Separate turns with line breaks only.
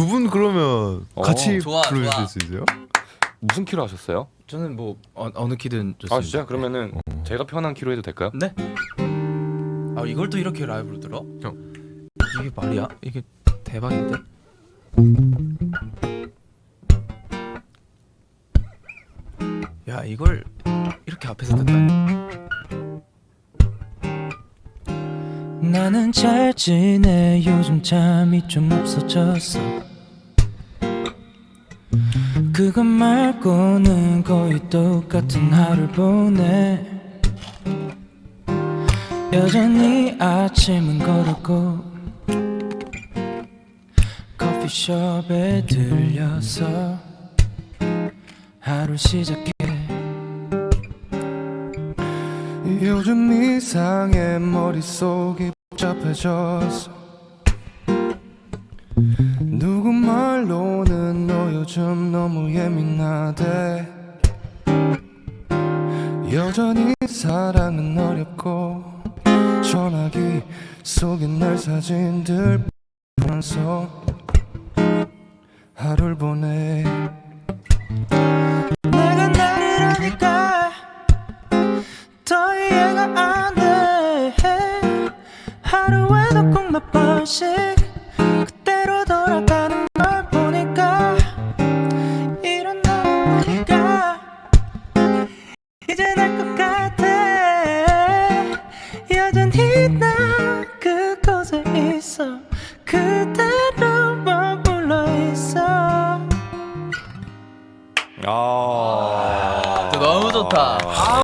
두 분 그러면 같이
좋아,
불러주실 수 있어요?
무슨 키로 하셨어요?
저는 뭐 어느 키든 좋습니다.
아 진짜? 그러면은 제가 편한 키로 해도 될까요?
네? 아 이걸 또 이렇게 라이브로 들어? 이게 말이야? 이게 대박인데? 야 이걸 이렇게 앞에서 듣다니. 나는 잘 지내. 요즘 잠이 좀 없어졌어. 그것 말고는 거의 똑같은 하루를 보내. 여전히 아침은 거르고 커피숍에 들려서 하루 시작해.
요즘 이상해. 머릿속이 복잡해졌어. 누구 말로는 너 요즘 너무 예민하대. 여전히 사랑은 어렵고 전화기 속에 날 사진들 보면서 하루를 보내.
내가 나를 아니까 더 이해가 안 돼. 하루에도 꼭 몇 번씩 그때로 돌아가는